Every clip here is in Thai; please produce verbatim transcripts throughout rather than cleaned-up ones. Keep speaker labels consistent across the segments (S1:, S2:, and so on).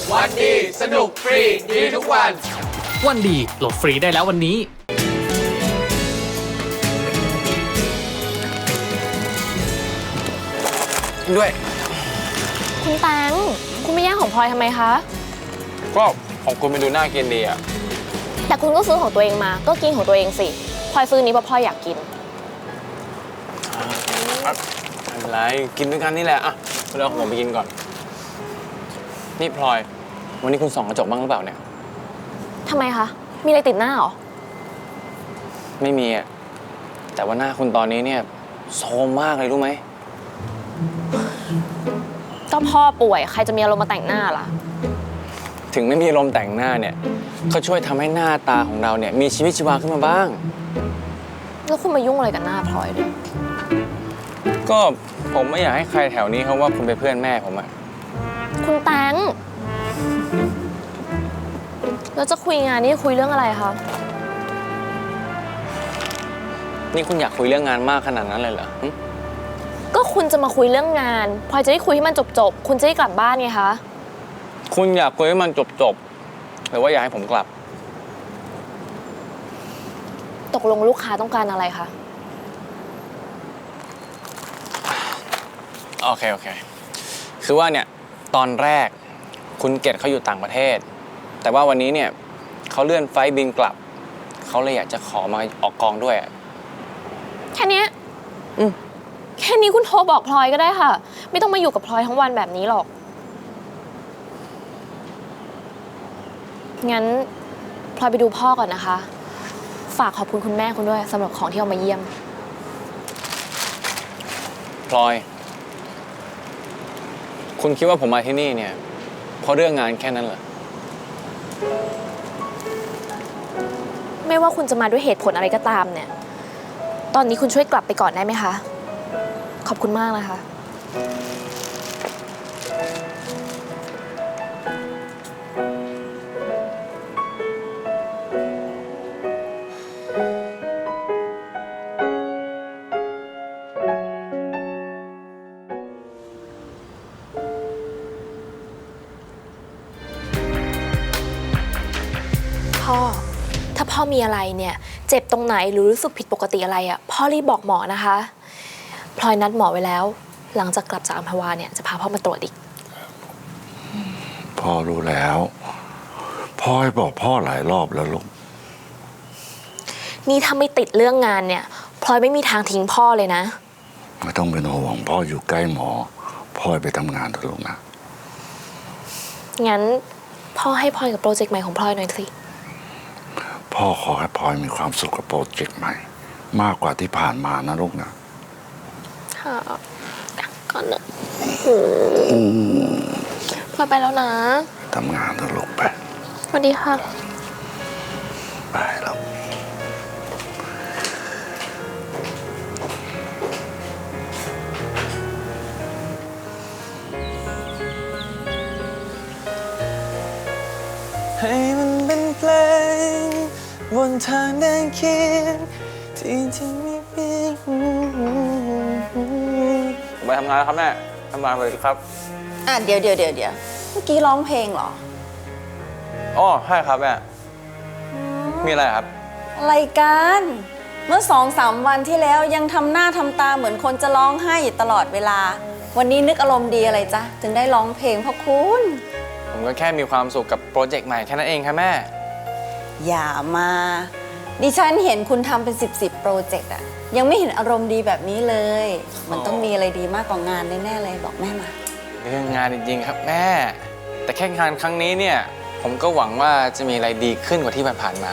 S1: วันดีสนุกฟรีดีทุกวัน
S2: วันดีโหลดฟรีได้แล้ววันนี้
S3: ด้วย
S4: คุณแตงคุณไม่แย่งของพลอยทำไมคะ
S3: ก็ของคุณมันดูน่ากินดีอะ
S4: แต่คุณก็ซื้อของตัวเองมาก็กินของตัวเองสิพลอยซื้อนี้เพราะพลอยอยากกิน
S3: ไม่เป็นไรกินด้วยกันนี่แหละอ่ะเดี๋ยวผมไปกินก่อนนี่พลอยวันนี้คุณส่องกระจกบ้างหรือเปล่าเนี่ย
S4: ทำไมคะมีอะไรติดหน้าหรอ
S3: ไม่มีอะแต่ว่าหน้าคุณตอนนี้เนี่ยโทรมมากเลยรู้ไหม
S4: ก็พ่อป่วยใครจะมีอารมณ์มาแต่งหน้าล่ะ
S3: ถึงไม่มีอารมณ์แต่งหน้าเนี่ยก็ช่วยทำให้หน้าตาของเราเนี่ยมีชีวิตชีวาขึ้นมาบ้าง
S4: แล้วคุณมายุ่งอะไรกับหน้าพลอยด้วย
S3: ก็ผมไม่อยากให้ใครแถวนี้เขาว่าคุณเป็นเพื่อนแม่ผมอะ
S4: คุณแตงแล้วจะคุยงานนี่คุยเรื่องอะไรคะ
S3: นี่คุณอยากคุยเรื่องงานมากขนาดนั้นเลยเหรอ
S4: ก็คุณจะมาคุยเรื่องงานพลอยจะได้คุยให้มันจบๆคุณจะได้กลับบ้านไงคะ
S3: คุณอยากคุยให้มันจบๆหรือว่าอยากให้ผมกลับ
S4: ตกลงลูกค้าต้องการอะไรคะ
S3: โอเคโอเคคือว่าเนี่ยตอนแรกคุณเกดเขาอยู่ต่างประเทศแต่ว่าวันนี้เนี่ยเขาเลื่อนไฟล์บินกลับเขาเลยอยากจะขอมาออกกองด้วย
S4: แค่นี้
S3: อืม
S4: แค่นี้คุณโทรบอกพลอยก็ได้ค่ะไม่ต้องมาอยู่กับพลอยทั้งวันแบบนี้หรอกงั้นพลอยไปดูพ่อก่อนนะคะฝากขอบคุณคุณแม่คุณด้วยสำหรับของที่เอามาเยี่ยม
S3: พลอยคุณคิดว่าผมมาที่นี่เนี่ยเพราะเรื่องงานแค่นั้นเหรอ
S4: ไม่ว่าคุณจะมาด้วยเหตุผลอะไรก็ตามเนี่ยตอนนี้คุณช่วยกลับไปก่อนได้ไหมคะขอบคุณมากนะคะพ่อถ้าพ่อมีอะไรเนี่ยเจ็บตรงไหนหรือรู้สึกผิดปกติอะไรอ่ะพ่อรีบบอกหมอนะคะพลอยนัดหมอไว้แล้วหลังจากกลับจากอัมพวาเนี่ยจะพาพ่อมาตรวจอีก
S5: พ่อรู้แล้วพ่อให้บอกพ่อหลายรอบแล้วลูก
S4: นี่ถ้าไม่ติดเรื่องงานเนี่ยพลอยไม่มีทางทิ้งพ่อเลยนะ
S5: ไม่ต้องเป็นห่วงพ่ออยู่ใกล้หมอพ่อไปทำงานเถอะลูกนะ
S4: งั้นพ่อให้พลอยกับโปรเจกต์ใหม่ของพลอยหน่อยสิ
S5: พ่อขอให้พลอยมีความสุขกับโปรเจกต์ใหม่มากกว่าที่ผ่านมานะลูกนะ
S4: ค่ะก่อนนะพลอยไปแล้วนะ
S5: ทำงานเถอะลูกไป
S4: สวัสดีค่ะ
S5: ไปแล้ว
S6: ให้มันเป็นเพลงบนทางเดินเคียงที่ที่มีเพียง
S3: ผมไปทำงานแล้วครับแม่ทำงานไปครับ
S7: อ่ะเดี๋ยวเดี๋ยวเดี๋ยวเดี๋ยวเมื่อกี้ร้องเพลงเหรอ
S3: อ๋อใช่ครับแม่มีอะไรครับ
S7: อะไรกันเมื่อสองสามวันที่แล้วยังทำหน้าทำตาเหมือนคนจะร้องไห้อยู่ตลอดเวลาวันนี้นึกอารมณ์ดีอะไรจ๊ะถึงได้ร้องเพลงพ่อคุณ
S3: ผมก็แค่มีความสุขกับโปรเจกต์ใหม่แค่นั้นเองครับแม่
S7: อย่ามาดิฉันเห็นคุณทำเป็นสิบสิบโปรเจกต์อะยังไม่เห็นอารมณ์ดีแบบนี้เลยมันต้องมีอะไรดีมากกว่างานแน่ๆเลยบอกแม่มา
S3: เรื่องงานจริงๆครับแม่แต่แค่งานครั้งนี้เนี่ยผมก็หวังว่าจะมีอะไรดีขึ้นกว่าที่ผ่านมา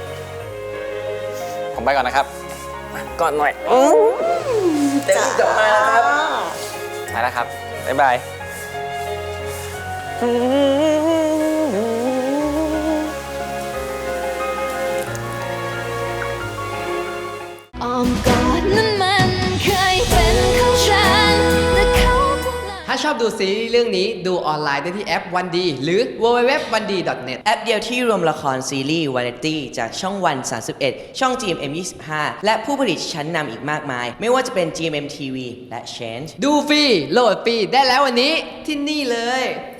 S3: ผมไปก่อนนะครับก่อนหน่อย
S7: เต็มจบมาแล้วครับ
S3: ไปแล้วครับบ๊ายบาย
S2: อ้อมกอดนั้นมันเคยเป็นของฉันแต่เขาถ้าชอบดูซีรีส์เรื่องนี้ดูออนไลน์ได้ที่แอปวันดีหรือ ดับเบิลยู ดับเบิลยู ดับเบิลยู ดอท วันดี ดอท เน็ต
S8: แอปเดียวที่รวมละครซีรีส์วาไรตี้จากช่องวัน สามสิบเอ็ด ช่อง จี เอ็ม เอ็ม ยี่สิบห้า และผู้ผลิตชั้นนำอีกมากมายไม่ว่าจะเป็น จี เอ็ม เอ็ม ที วี และ Change
S2: ดูฟรีโหลดฟรีได้แล้ววันนี้ที่นี่เลย